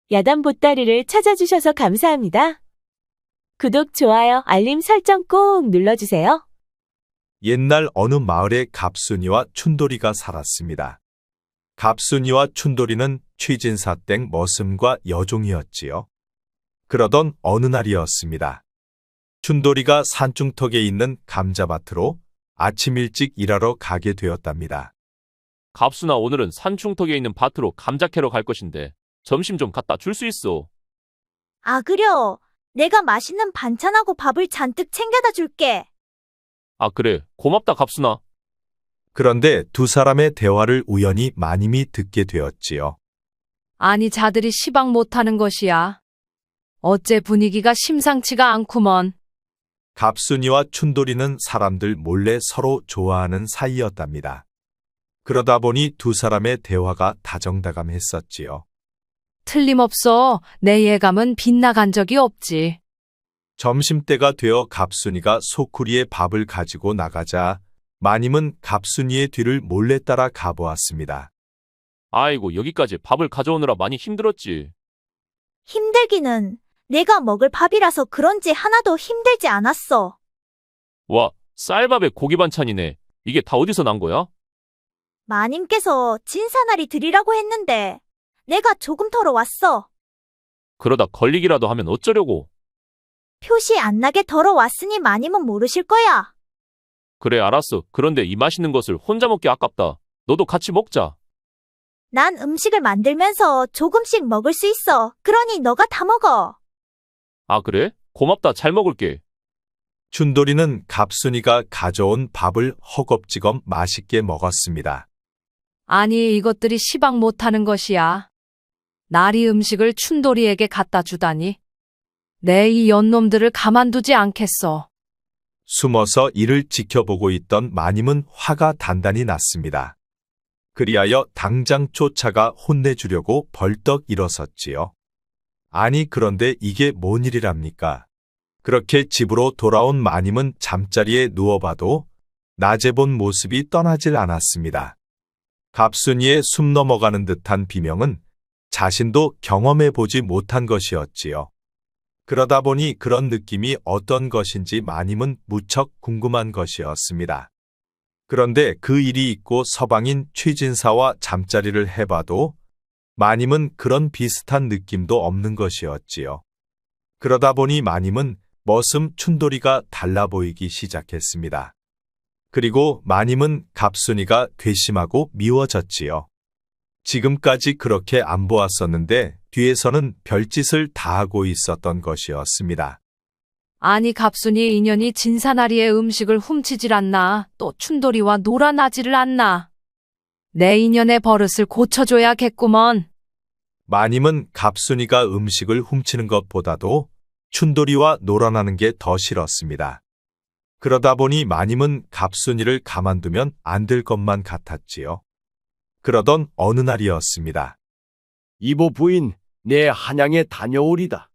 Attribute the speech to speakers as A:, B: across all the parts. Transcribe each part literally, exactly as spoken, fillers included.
A: 야단 보따리를 찾아주셔서 감사합니다. 구독, 좋아요, 알림 설정 꼭 눌러주세요.
B: 옛날 어느 마을에 갑순이와 춘돌이가 살았습니다. 갑순이와 춘돌이는 취진사 땡 머슴과 여종이었지요. 그러던 어느 날이었습니다. 춘돌이가 산중턱에 있는 감자밭으로 아침 일찍 일하러 가게 되었답니다.
C: 갑순아, 오늘은 산중턱에 있는 밭으로 감자 캐러 갈 것인데 점심 좀 갖다 줄 수 있어?
D: 아, 그려. 내가 맛있는 반찬하고 밥을 잔뜩 챙겨다 줄게.
C: 아, 그래. 고맙다, 갑순아.
B: 그런데 두 사람의 대화를 우연히 마님이 듣게 되었지요.
E: 아니, 자들이 시방 못하는 것이야. 어째 분위기가 심상치가 않구먼.
B: 갑순이와 춘돌이는 사람들 몰래 서로 좋아하는 사이였답니다. 그러다 보니 두 사람의 대화가 다정다감했었지요.
E: 틀림없어. 내 예감은 빗나간 적이 없지.
B: 점심때가 되어 갑순이가 소쿠리에 밥을 가지고 나가자 마님은 갑순이의 뒤를 몰래 따라 가보았습니다.
C: 아이고, 여기까지 밥을 가져오느라 많이 힘들었지.
D: 힘들기는 내가 먹을 밥이라서 그런지 하나도 힘들지 않았어.
C: 와, 쌀밥에 고기 반찬이네. 이게 다 어디서 난 거야?
D: 마님께서 진사나리 드리라고 했는데 내가 조금 덜어 왔어.
C: 그러다 걸리기라도 하면 어쩌려고.
D: 표시 안 나게 덜어 왔으니 마님은 모르실 거야.
C: 그래, 알았어. 그런데 이 맛있는 것을 혼자 먹기 아깝다. 너도 같이 먹자.
D: 난 음식을 만들면서 조금씩 먹을 수 있어. 그러니 너가 다 먹어.
C: 아, 그래? 고맙다. 잘 먹을게.
B: 춘돌이는 갑순이가 가져온 밥을 허겁지겁 맛있게 먹었습니다.
E: 아니, 이것들이 시방 못하는 것이야. 나리 음식을 춘돌이에게 갖다 주다니. 내 이 연놈들을 가만두지 않겠어.
B: 숨어서 이를 지켜보고 있던 마님은 화가 단단히 났습니다. 그리하여 당장 쫓아가 혼내주려고 벌떡 일어섰지요. 아니, 그런데 이게 뭔 일이랍니까? 그렇게 집으로 돌아온 마님은 잠자리에 누워봐도 낮에 본 모습이 떠나질 않았습니다. 갑순이의 숨 넘어가는 듯한 비명은 자신도 경험해보지 못한 것이었지요. 그러다 보니 그런 느낌이 어떤 것인지 마님은 무척 궁금한 것이었습니다. 그런데 그 일이 있고 서방인 취진사와 잠자리를 해봐도 마님은 그런 비슷한 느낌도 없는 것이었지요. 그러다 보니 마님은 머슴 춘돌이가 달라 보이기 시작했습니다. 그리고 마님은 갑순이가 괘씸하고 미워졌지요. 지금까지 그렇게 안 보았었는데 뒤에서는 별짓을 다 하고 있었던 것이었습니다.
E: 아니, 갑순이 인연이 진사나리의 음식을 훔치질 않나. 또 춘돌이와 놀아나지를 않나. 내 인연의 버릇을 고쳐줘야겠구먼.
B: 마님은 갑순이가 음식을 훔치는 것보다도 춘돌이와 놀아나는 게 더 싫었습니다. 그러다 보니 마님은 갑순이를 가만두면 안 될 것만 같았지요. 그러던 어느 날이었습니다.
F: 이보 부인, 내 한양에 다녀오리다.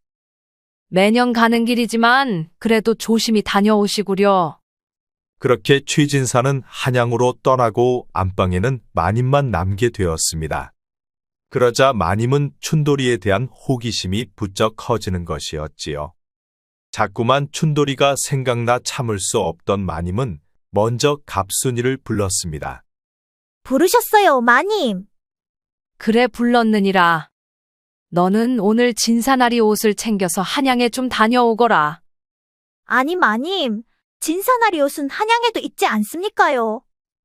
E: 매년 가는 길이지만 그래도 조심히 다녀오시구려.
B: 그렇게 취진사는 한양으로 떠나고 안방에는 마님만 남게 되었습니다. 그러자 마님은 춘돌이에 대한 호기심이 부쩍 커지는 것이었지요. 자꾸만 춘돌이가 생각나 참을 수 없던 마님은 먼저 갑순이를 불렀습니다.
D: 부르셨어요, 마님.
E: 그래, 불렀느니라. 너는 오늘 진사나리 옷을 챙겨서 한양에 좀 다녀오거라.
D: 아니, 마님. 진사나리 옷은 한양에도 있지 않습니까요?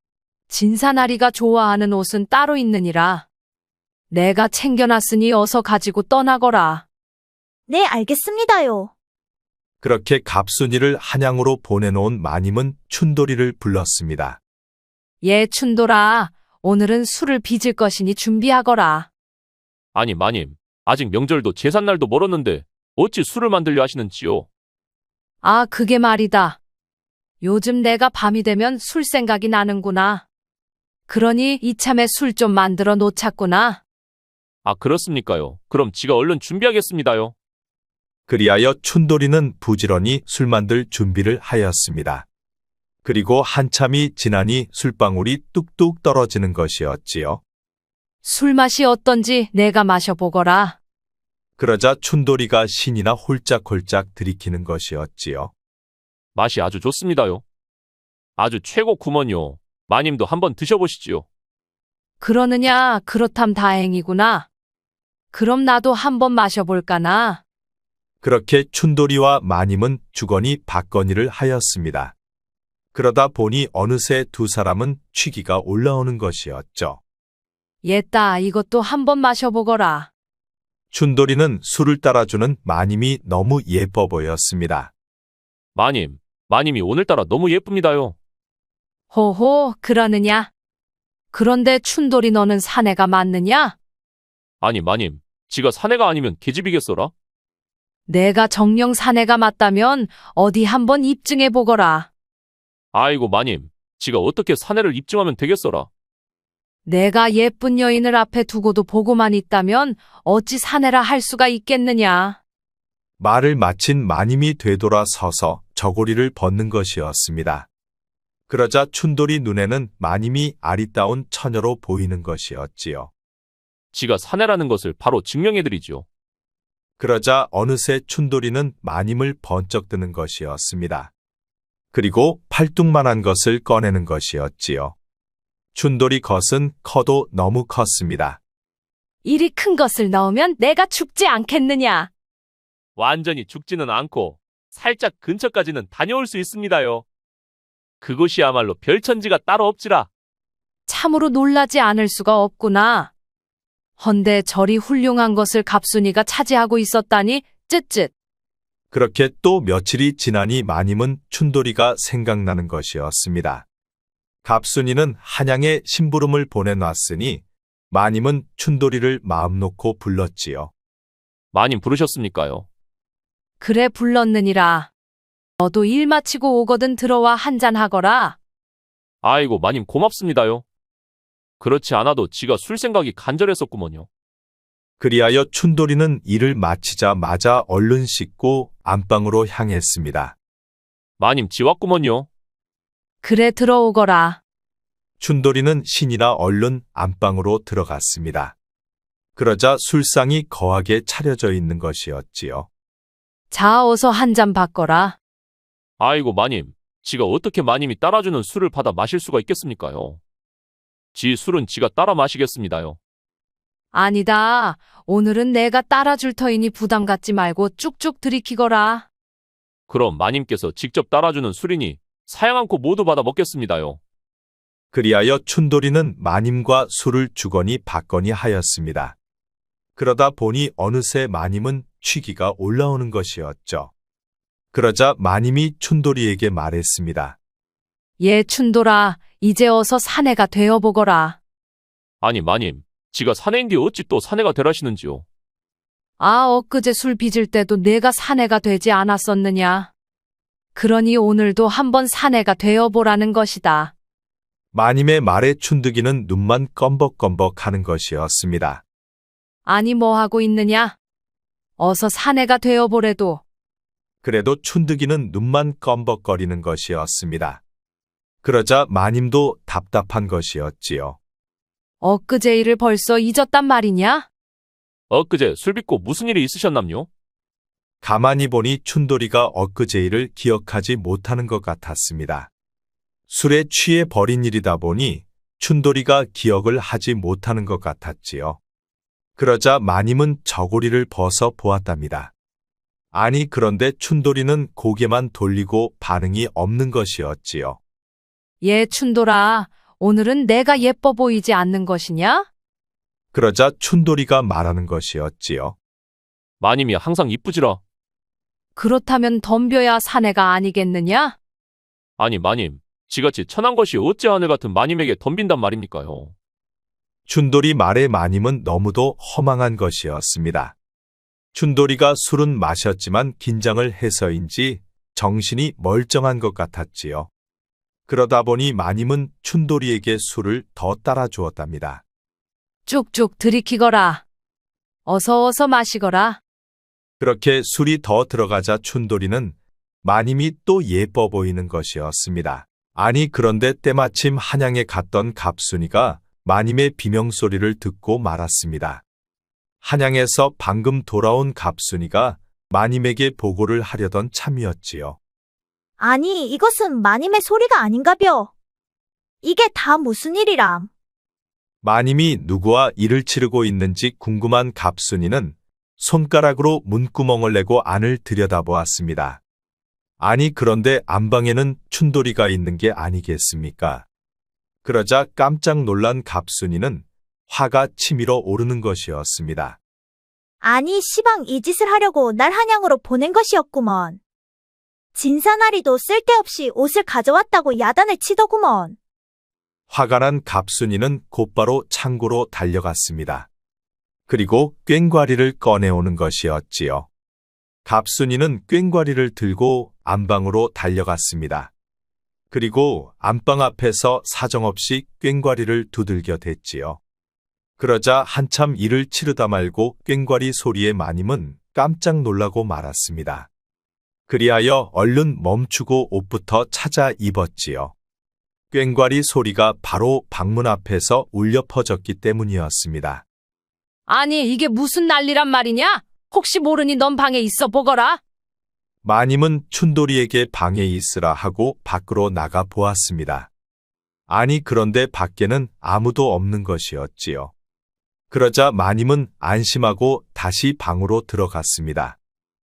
E: 진사나리가 좋아하는 옷은 따로 있느니라. 내가 챙겨놨으니 어서 가지고 떠나거라.
D: 네, 알겠습니다요.
B: 그렇게 갑순이를 한양으로 보내놓은 마님은 춘돌이를 불렀습니다.
E: 예, 춘돌아. 오늘은 술을 빚을 것이니 준비하거라.
C: 아니, 마님. 아직 명절도 제삿날도 멀었는데 어찌 술을 만들려 하시는지요?
E: 아, 그게 말이다. 요즘 내가 밤이 되면 술 생각이 나는구나. 그러니 이참에 술 좀 만들어 놓자꾸나.
C: 아, 그렇습니까요? 그럼 지가 얼른 준비하겠습니다요.
B: 그리하여 춘돌이는 부지런히 술 만들 준비를 하였습니다. 그리고 한참이 지나니 술방울이 뚝뚝 떨어지는 것이었지요.
E: 술 맛이 어떤지 내가 마셔보거라.
B: 그러자 춘돌이가 신이나 홀짝홀짝 들이키는 것이었지요.
C: 맛이 아주 좋습니다요. 아주 최고 구먼요. 마님도 한번 드셔보시지요.
E: 그러느냐, 그렇담 다행이구나. 그럼 나도 한번 마셔볼까나.
B: 그렇게 춘돌이와 마님은 주거니 받거니를 하였습니다. 그러다 보니 어느새 두 사람은 취기가 올라오는 것이었죠.
E: 옛다, 이것도 한번 마셔보거라.
B: 춘돌이는 술을 따라주는 마님이 너무 예뻐 보였습니다.
C: 마님, 마님이 오늘따라 너무 예쁩니다요.
E: 호호, 그러느냐? 그런데 춘돌이 너는 사내가 맞느냐?
C: 아니, 마님, 지가 사내가 아니면 계집이겠어라?
E: 내가 정령 사내가 맞다면 어디 한번 입증해보거라.
C: 아이고, 마님, 지가 어떻게 사내를 입증하면 되겠어라?
E: 내가 예쁜 여인을 앞에 두고도 보고만 있다면 어찌 사내라 할 수가 있겠느냐.
B: 말을 마친 마님이 되돌아서서 저고리를 벗는 것이었습니다. 그러자 춘돌이 눈에는 마님이 아리따운 처녀로 보이는 것이었지요.
C: 지가 사내라는 것을 바로 증명해드리지요.
B: 그러자 어느새 춘돌이는 마님을 번쩍 드는 것이었습니다. 그리고 팔뚝만한 것을 꺼내는 것이었지요. 춘돌이 것은 커도 너무 컸습니다.
E: 이리 큰 것을 넣으면 내가 죽지 않겠느냐.
C: 완전히 죽지는 않고 살짝 근처까지는 다녀올 수 있습니다요. 그곳이야말로 별천지가 따로 없지라.
E: 참으로 놀라지 않을 수가 없구나. 헌데 저리 훌륭한 것을 갑순이가 차지하고 있었다니 쯧쯧.
B: 그렇게 또 며칠이 지나니 마님은 춘돌이가 생각나는 것이었습니다. 갑순이는 한양에 심부름을 보내놨으니 마님은 춘돌이를 마음 놓고 불렀지요.
C: 마님 부르셨습니까요?
E: 그래 불렀느니라. 너도 일 마치고 오거든 들어와 한잔하거라.
C: 아이고, 마님 고맙습니다요. 그렇지 않아도 지가 술 생각이 간절했었구먼요.
B: 그리하여 춘돌이는 일을 마치자마자 얼른 씻고 안방으로 향했습니다.
C: 마님 지왔구먼요.
E: 그래 들어오거라.
B: 춘돌이는 신이라 얼른 안방으로 들어갔습니다. 그러자 술상이 거하게 차려져 있는 것이었지요.
E: 자 어서 한 잔 받거라.
C: 아이고, 마님, 지가 어떻게 마님이 따라주는 술을 받아 마실 수가 있겠습니까요? 지 술은 지가 따라 마시겠습니다요.
E: 아니다. 오늘은 내가 따라줄 터이니 부담 갖지 말고 쭉쭉 들이키거라.
C: 그럼 마님께서 직접 따라주는 술이니 사양 않고 모두 받아 먹겠습니다요.
B: 그리하여 춘돌이는 마님과 술을 주거니 받거니 하였습니다. 그러다 보니 어느새 마님은 취기가 올라오는 것이었죠. 그러자 마님이 춘돌이에게 말했습니다.
E: 예 춘돌아, 이제 어서 사내가 되어보거라.
C: 아니, 마님, 지가 사내인데 어찌 또 사내가 되라시는지요.
E: 아 엊그제 술 빚을 때도 내가 사내가 되지 않았었느냐. 그러니 오늘도 한번 사내가 되어보라는 것이다.
B: 마님의 말에 춘득이는 눈만 껌벅껌벅 하는 것이었습니다.
E: 아니 뭐하고 있느냐? 어서 사내가 되어보래도.
B: 그래도 춘득이는 눈만 껌벅거리는 것이었습니다. 그러자 마님도 답답한 것이었지요.
E: 엊그제 일을 벌써 잊었단 말이냐?
C: 엊그제 술 빚고 무슨 일이 있으셨남요?
B: 가만히 보니 춘돌이가 엊그제 일을 기억하지 못하는 것 같았습니다. 술에 취해 버린 일이다 보니 춘돌이가 기억을 하지 못하는 것 같았지요. 그러자 마님은 저고리를 벗어 보았답니다. 아니 그런데 춘돌이는 고개만 돌리고 반응이 없는 것이었지요.
E: 예 춘돌아, 오늘은 내가 예뻐 보이지 않는 것이냐?
B: 그러자 춘돌이가 말하는 것이었지요.
C: 마님이 항상 이쁘지라.
E: 그렇다면 덤벼야 사내가 아니겠느냐?
C: 아니, 마님, 지같이 천한 것이 어찌 하늘 같은 마님에게 덤빈단 말입니까요?
B: 춘돌이 말에 마님은 너무도 허망한 것이었습니다. 춘돌이가 술은 마셨지만 긴장을 해서인지 정신이 멀쩡한 것 같았지요. 그러다 보니 마님은 춘돌이에게 술을 더 따라 주었답니다.
E: 쭉쭉 들이키거라. 어서 어서 마시거라.
B: 그렇게 술이 더 들어가자 춘돌이는 마님이 또 예뻐 보이는 것이었습니다. 아니 그런데 때마침 한양에 갔던 갑순이가 마님의 비명소리를 듣고 말았습니다. 한양에서 방금 돌아온 갑순이가 마님에게 보고를 하려던 참이었지요.
D: 아니, 이것은 마님의 소리가 아닌가벼. 이게 다 무슨 일이람?
B: 마님이 누구와 일을 치르고 있는지 궁금한 갑순이는 손가락으로 문구멍을 내고 안을 들여다보았습니다. 아니, 그런데 안방에는 춘돌이가 있는 게 아니겠습니까? 그러자 깜짝 놀란 갑순이는 화가 치밀어 오르는 것이었습니다.
D: 아니, 시방 이 짓을 하려고 날 한양으로 보낸 것이었구먼. 진사나리도 쓸데없이 옷을 가져왔다고 야단을 치더구먼.
B: 화가 난 갑순이는 곧바로 창고로 달려갔습니다. 그리고 꽹과리를 꺼내오는 것이었지요. 갑순이는 꽹과리를 들고 안방으로 달려갔습니다. 그리고 안방 앞에서 사정없이 꽹과리를 두들겨 댔지요. 그러자 한참 일을 치르다 말고 꽹과리 소리에 마님은 깜짝 놀라고 말았습니다. 그리하여 얼른 멈추고 옷부터 찾아 입었지요. 꽹과리 소리가 바로 방문 앞에서 울려 퍼졌기 때문이었습니다.
E: 아니, 이게 무슨 난리란 말이냐? 혹시 모르니 넌 방에 있어 보거라.
B: 마님은 춘돌이에게 방에 있으라 하고 밖으로 나가 보았습니다. 아니, 그런데 밖에는 아무도 없는 것이었지요. 그러자 마님은 안심하고 다시 방으로 들어갔습니다.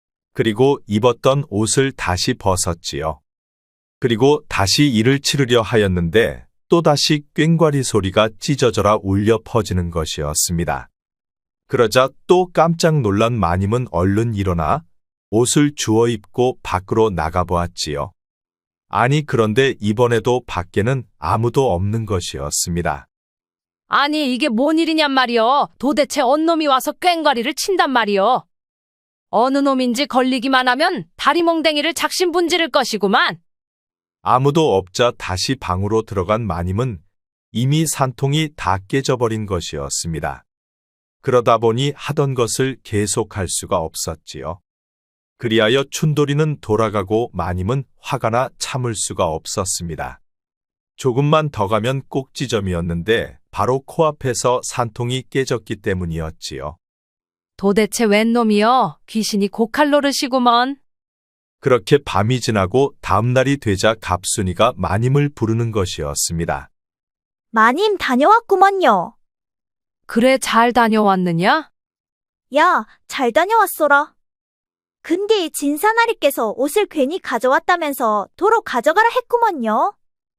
B: 그리고 입었던 옷을 다시 벗었지요. 그리고 다시 일을 치르려 하였는데 또다시 꽹과리 소리가 찢어져라 울려 퍼지는 것이었습니다. 그러자 또 깜짝 놀란 마님은 얼른 일어나 옷을 주워 입고 밖으로 나가보았지요. 아니, 그런데 이번에도 밖에는 아무도 없는 것이었습니다.
E: 아니, 이게 뭔 일이냔 말이여. 도대체 언 놈이 와서 꽹과리를 친단 말이여. 어느 놈인지 걸리기만 하면 다리몽댕이를 작심분지를 것이구만.
B: 아무도 없자 다시 방으로 들어간 마님은 이미 산통이 다 깨져버린 것이었습니다. 그러다 보니 하던 것을 계속할 수가 없었지요. 그리하여 춘돌이는 돌아가고 마님은 화가 나 참을 수가 없었습니다. 조금만 더 가면 꼭지점이었는데 바로 코앞에서 산통이 깨졌기 때문이었지요.
E: 도대체 웬 놈이여? 귀신이 고칼로르시구먼.
B: 그렇게 밤이 지나고 다음 날이 되자 갑순이가 마님을 부르는 것이었습니다.
D: 마님 다녀왔구먼요.
E: 그래, 잘 다녀왔느냐?
D: 야, 잘 다녀왔소라. 근데 진사나리께서 옷을 괜히 가져왔다면서 도로 가져가라 했구먼요.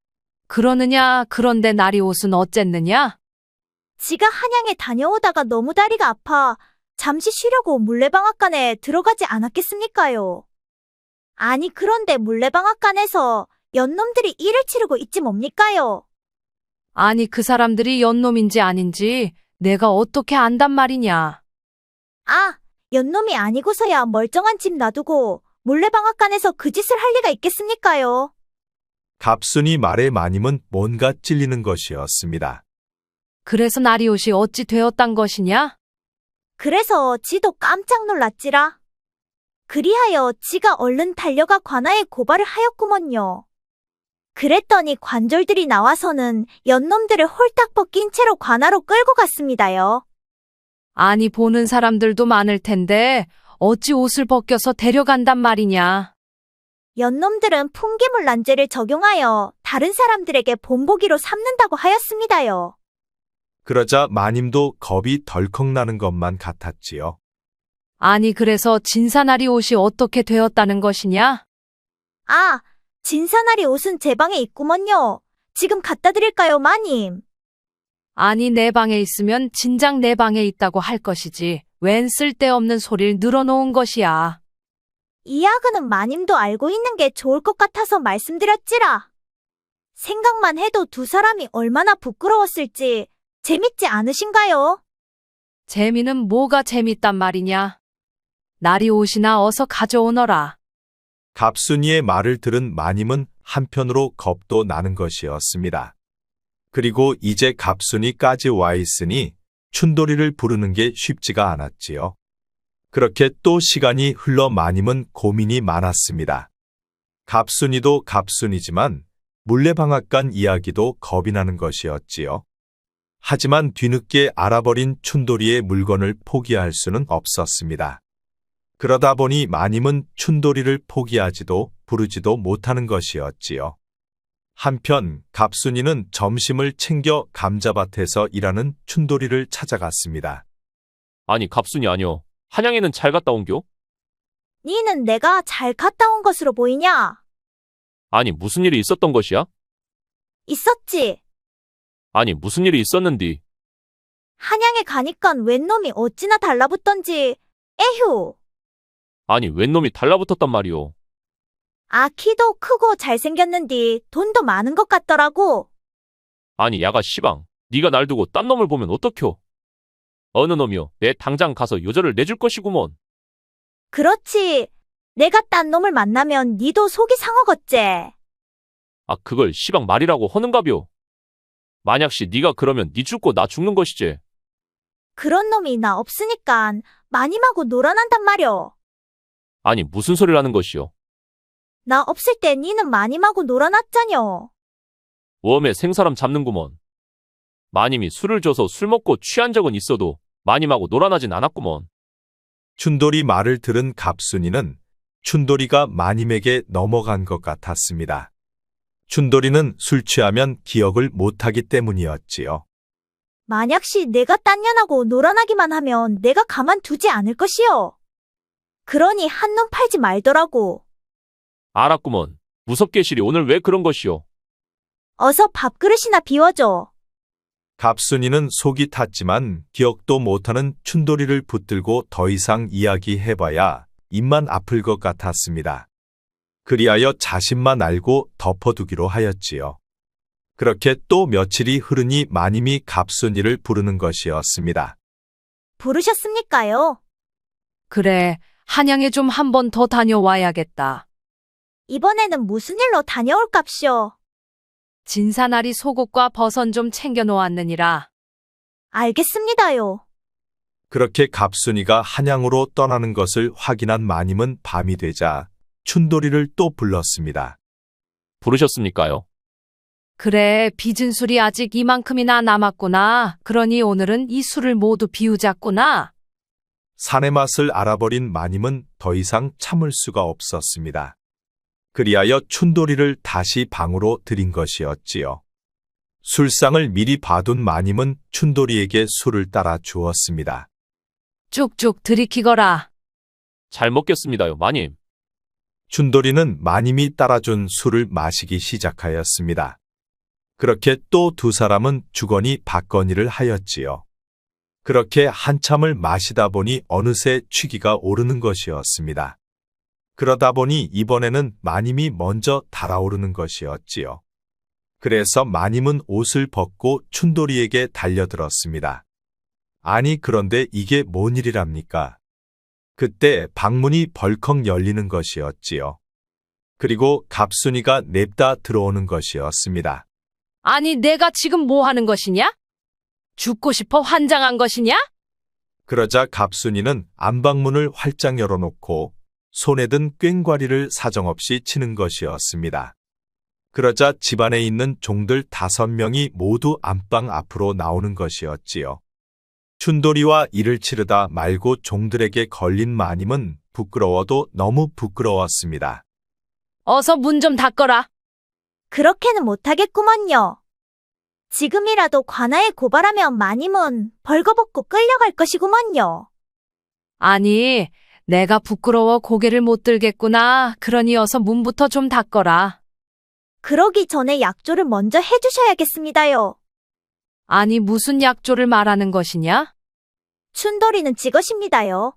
E: 그러느냐? 그런데 나리 옷은 어쨌느냐?
D: 지가 한양에 다녀오다가 너무 다리가 아파 잠시 쉬려고 물레방앗간에 들어가지 않았겠습니까요? 아니, 그런데 물레방앗간에서 연놈들이 일을 치르고 있지 뭡니까요?
E: 아니, 그 사람들이 연놈인지 아닌지 내가 어떻게 안단 말이냐?
D: 아, 연놈이 아니고서야 멀쩡한 집 놔두고 물레방앗간에서 그 짓을 할 리가 있겠습니까요?
B: 갑순이 말에 마님은 뭔가 찔리는 것이었습니다.
E: 그래서 나리 옷이 어찌 되었단 것이냐?
D: 그래서 지도 깜짝 놀랐지라. 그리하여 지가 얼른 달려가 관아에 고발을 하였구먼요. 그랬더니 관졸들이 나와서는 연놈들을 홀딱 벗긴 채로 관아로 끌고 갔습니다요.
E: 아니, 보는 사람들도 많을 텐데 어찌 옷을 벗겨서 데려간단 말이냐?
D: 연놈들은 풍기물난제를 적용하여 다른 사람들에게 본보기로 삼는다고 하였습니다요.
B: 그러자 마님도 겁이 덜컥 나는 것만 같았지요.
E: 아니, 그래서 진사나리 옷이 어떻게 되었다는 것이냐?
D: 아, 진사나리 옷은 제 방에 있구먼요. 지금 갖다 드릴까요, 마님?
E: 아니, 내 방에 있으면 진작 내 방에 있다고 할 것이지. 웬 쓸데없는 소리를 늘어놓은 것이야.
D: 이 야근은 마님도 알고 있는 게 좋을 것 같아서 말씀드렸지라. 생각만 해도 두 사람이 얼마나 부끄러웠을지 재밌지 않으신가요?
E: 재미는 뭐가 재밌단 말이냐? 나리 옷이나 어서 가져오너라.
B: 갑순이의 말을 들은 마님은 한편으로 겁도 나는 것이었습니다. 그리고 이제 갑순이까지 와 있으니 춘돌이를 부르는 게 쉽지가 않았지요. 그렇게 또 시간이 흘러 마님은 고민이 많았습니다. 갑순이도 갑순이지만 물레방앗간 이야기도 겁이 나는 것이었지요. 하지만 뒤늦게 알아버린 춘돌이의 물건을 포기할 수는 없었습니다. 그러다 보니 마님은 춘돌이를 포기하지도 부르지도 못하는 것이었지요. 한편 갑순이는 점심을 챙겨 감자밭에서 일하는 춘돌이를 찾아갔습니다.
C: 아니, 갑순이 아니여. 한양에는 잘 갔다 온겨?
D: 니는 내가 잘 갔다 온 것으로 보이냐?
C: 아니, 무슨 일이 있었던 것이야?
D: 있었지.
C: 아니, 무슨 일이 있었는디?
D: 한양에 가니깐 웬 놈이 어찌나 달라붙던지. 에휴.
C: 아니, 웬 놈이 달라붙었단 말이오.
D: 아, 키도 크고 잘생겼는디 돈도 많은 것 같더라고.
C: 아니, 야가 시방. 네가 날 두고 딴 놈을 보면 어떡혀? 어느 놈이여, 내 당장 가서 요절을 내줄 것이구먼.
D: 그렇지. 내가 딴 놈을 만나면 니도 속이 상하겠제.
C: 아, 그걸 시방 말이라고 허는가벼. 만약시 네가 그러면 네 죽고 나 죽는 것이지.
D: 그런 놈이 나 없으니깐 마님하고 놀아난단 말여.
C: 아니, 무슨 소리를 하는 것이요?
D: 나 없을 때 니는 마님하고 놀아놨자녀.
C: 웜에 생사람 잡는구먼. 마님이 술을 줘서 술 먹고 취한 적은 있어도 마님하고 놀아나진 않았구먼.
B: 춘돌이 말을 들은 갑순이는 춘돌이가 마님에게 넘어간 것 같았습니다. 춘돌이는 술 취하면 기억을 못하기 때문이었지요.
D: 만약시 내가 딴 년하고 놀아나기만 하면 내가 가만두지 않을 것이요. 그러니 한눈 팔지 말더라고.
C: 알았구먼. 무섭게 시리 오늘 왜 그런 것이요?
D: 어서 밥그릇이나 비워줘.
B: 갑순이는 속이 탔지만 기억도 못하는 춘돌이를 붙들고 더 이상 이야기해봐야 입만 아플 것 같았습니다. 그리하여 자신만 알고 덮어두기로 하였지요. 그렇게 또 며칠이 흐르니 마님이 갑순이를 부르는 것이었습니다.
D: 부르셨습니까요?
E: 그래, 한양에 좀 한 번 더 다녀와야겠다.
D: 이번에는 무슨 일로 다녀올깝쇼?
E: 진사나리 속옷과 버선 좀 챙겨 놓았느니라.
D: 알겠습니다요.
B: 그렇게 갑순이가 한양으로 떠나는 것을 확인한 마님은 밤이 되자 춘돌이를 또 불렀습니다.
C: 부르셨습니까요?
E: 그래, 빚은 술이 아직 이만큼이나 남았구나. 그러니 오늘은 이 술을 모두 비우자꾸나.
B: 산의 맛을 알아버린 마님은 더 이상 참을 수가 없었습니다. 그리하여 춘돌이를 다시 방으로 들인 것이었지요. 술상을 미리 봐둔 마님은 춘돌이에게 술을 따라 주었습니다.
E: 쭉쭉 들이키거라.
C: 잘 먹겠습니다요, 마님.
B: 춘돌이는 마님이 따라준 술을 마시기 시작하였습니다. 그렇게 또 두 사람은 주거니 받거니를 하였지요. 그렇게 한참을 마시다 보니 어느새 취기가 오르는 것이었습니다. 그러다 보니 이번에는 마님이 먼저 달아오르는 것이었지요. 그래서 마님은 옷을 벗고 춘돌이에게 달려들었습니다. 아니, 그런데 이게 뭔 일이랍니까? 그때 방문이 벌컥 열리는 것이었지요. 그리고 갑순이가 냅다 들어오는 것이었습니다.
E: 아니, 내가 지금 뭐 하는 것이냐? 죽고 싶어 환장한 것이냐?
B: 그러자 갑순이는 안방문을 활짝 열어놓고 손에 든 꽹과리를 사정없이 치는 것이었습니다. 그러자 집안에 있는 종들 다섯 명이 모두 안방 앞으로 나오는 것이었지요. 춘돌이와 이를 치르다 말고 종들에게 걸린 마님은 부끄러워도 너무 부끄러웠습니다.
E: 어서 문 좀 닫거라.
D: 그렇게는 못하겠구먼요. 지금이라도 관아에 고발하면 마님은 벌거벗고 끌려갈 것이구먼요.
E: 아니, 내가 부끄러워 고개를 못 들겠구나. 그러니 어서 문부터 좀 닫거라.
D: 그러기 전에 약조를 먼저 해주셔야겠습니다요.
E: 아니, 무슨 약조를 말하는 것이냐?
D: 춘돌이는 지것입니다요.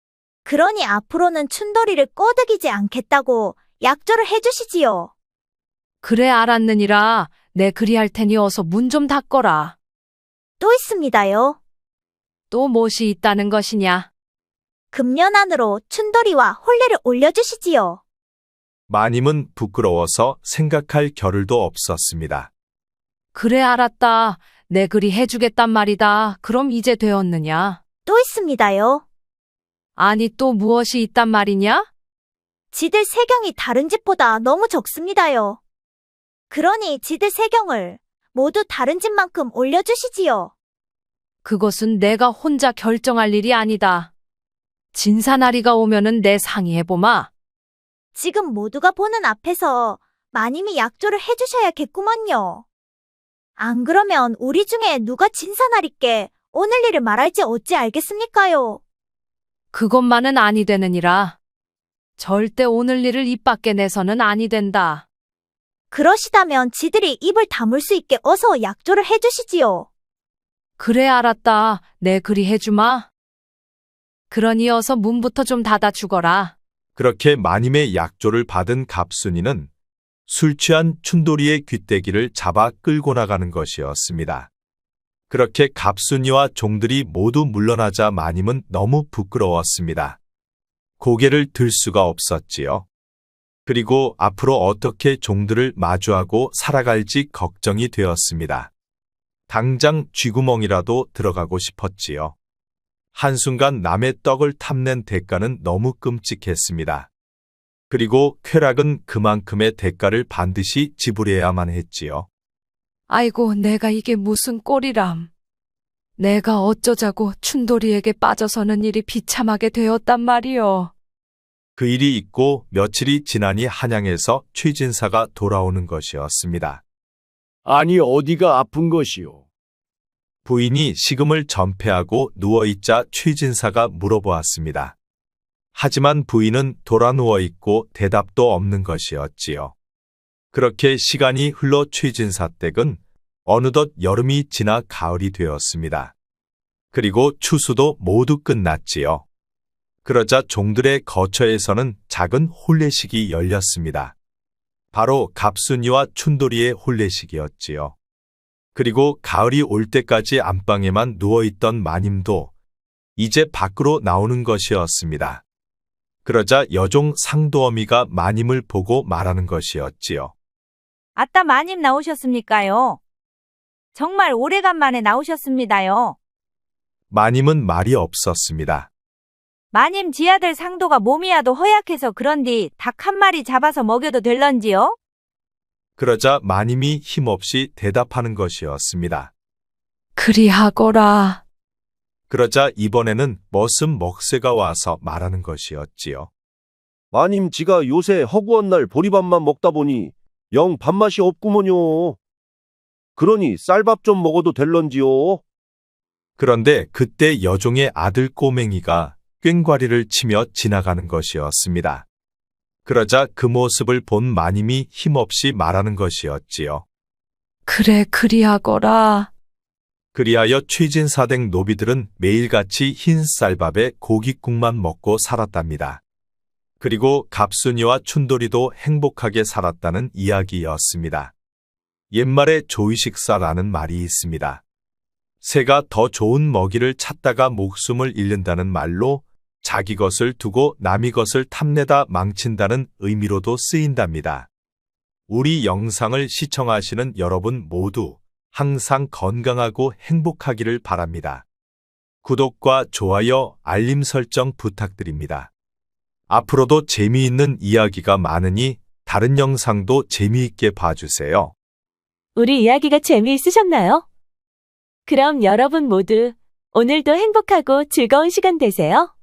D: 그러니 앞으로는 춘돌이를 꼬드기지 않겠다고 약조를 해주시지요.
E: 그래, 알았느니라. 내 그리할 테니 어서 문 좀 닫거라.
D: 또 있습니다요.
E: 또 무엇이 있다는 것이냐?
D: 금년 안으로 춘돌이와 혼례를 올려주시지요.
B: 마님은 부끄러워서 생각할 겨를도 없었습니다.
E: 그래, 알았다. 내 그리 해주겠단 말이다. 그럼 이제 되었느냐?
D: 또 있습니다요.
E: 아니, 또 무엇이 있단 말이냐?
D: 지들 세경이 다른 집보다 너무 적습니다요. 그러니 지들 세경을 모두 다른 집만큼 올려주시지요.
E: 그것은 내가 혼자 결정할 일이 아니다. 진사나리가 오면은 내 상의해보마.
D: 지금 모두가 보는 앞에서 마님이 약조를 해주셔야겠구먼요. 안 그러면 우리 중에 누가 진사나리께 오늘 일을 말할지 어찌 알겠습니까요?
E: 그것만은 아니 되느니라. 절대 오늘 일을 입 밖에 내서는 아니 된다.
D: 그러시다면 지들이 입을 다물 수 있게 어서 약조를 해주시지요.
E: 그래 알았다. 내 그리 해주마. 그러니 어서 문부터 좀 닫아 주거라.
B: 그렇게 마님의 약조를 받은 갑순이는 술 취한 춘돌이의 귀때기를 잡아 끌고 나가는 것이었습니다. 그렇게 갑순이와 종들이 모두 물러나자 마님은 너무 부끄러웠습니다. 고개를 들 수가 없었지요. 그리고 앞으로 어떻게 종들을 마주하고 살아갈지 걱정이 되었습니다. 당장 쥐구멍이라도 들어가고 싶었지요. 한순간 남의 떡을 탐낸 대가는 너무 끔찍했습니다. 그리고 쾌락은 그만큼의 대가를 반드시 지불해야만 했지요.
E: 아이고, 내가 이게 무슨 꼴이람. 내가 어쩌자고 춘돌이에게 빠져서는 일이 비참하게 되었단 말이여.
B: 그 일이 있고 며칠이 지나니 한양에서 최진사가 돌아오는 것이었습니다.
F: 아니 어디가 아픈 것이오?
B: 부인이 식음을 전폐하고 누워있자 최진사가 물어보았습니다. 하지만 부인은 돌아 누워있고 대답도 없는 것이었지요. 그렇게 시간이 흘러 최진사 댁은 어느덧 여름이 지나 가을이 되었습니다. 그리고 추수도 모두 끝났지요. 그러자 종들의 거처에서는 작은 혼례식이 열렸습니다. 바로 갑순이와 춘돌이의 혼례식이었지요. 그리고 가을이 올 때까지 안방에만 누워있던 마님도 이제 밖으로 나오는 것이었습니다. 그러자 여종 상도어미가 마님을 보고 말하는 것이었지요.
G: 아따 마님 나오셨습니까요? 정말 오래간만에 나오셨습니다요.
B: 마님은 말이 없었습니다.
G: 마님 지아들 상도가 몸이야도 허약해서 그런디 닭 한 마리 잡아서 먹여도 될런지요?
B: 그러자 마님이 힘없이 대답하는 것이었습니다.
E: 그리하거라.
B: 그러자 이번에는 머슴 먹새가 와서 말하는 것이었지요.
H: 마님 지가 요새 허구한 날 보리밥만 먹다 보니 영 밥맛이 없구먼요. 그러니 쌀밥 좀 먹어도 될런지요?
B: 그런데 그때 여종의 아들 꼬맹이가 꽹과리를 치며 지나가는 것이었습니다. 그러자 그 모습을 본 마님이 힘없이 말하는 것이었지요.
E: 그래, 그리하거라.
B: 그리하여 최진사댁 노비들은 매일같이 흰 쌀밥에 고깃국만 먹고 살았답니다. 그리고 갑순이와 춘돌이도 행복하게 살았다는 이야기였습니다. 옛말에 조의식사라는 말이 있습니다. 새가 더 좋은 먹이를 찾다가 목숨을 잃는다는 말로 자기 것을 두고 남의 것을 탐내다 망친다는 의미로도 쓰인답니다. 우리 영상을 시청하시는 여러분 모두 항상 건강하고 행복하기를 바랍니다. 구독과 좋아요, 알림 설정 부탁드립니다. 앞으로도 재미있는 이야기가 많으니 다른 영상도 재미있게 봐주세요.
A: 우리 이야기가 재미있으셨나요? 그럼 여러분 모두 오늘도 행복하고 즐거운 시간 되세요.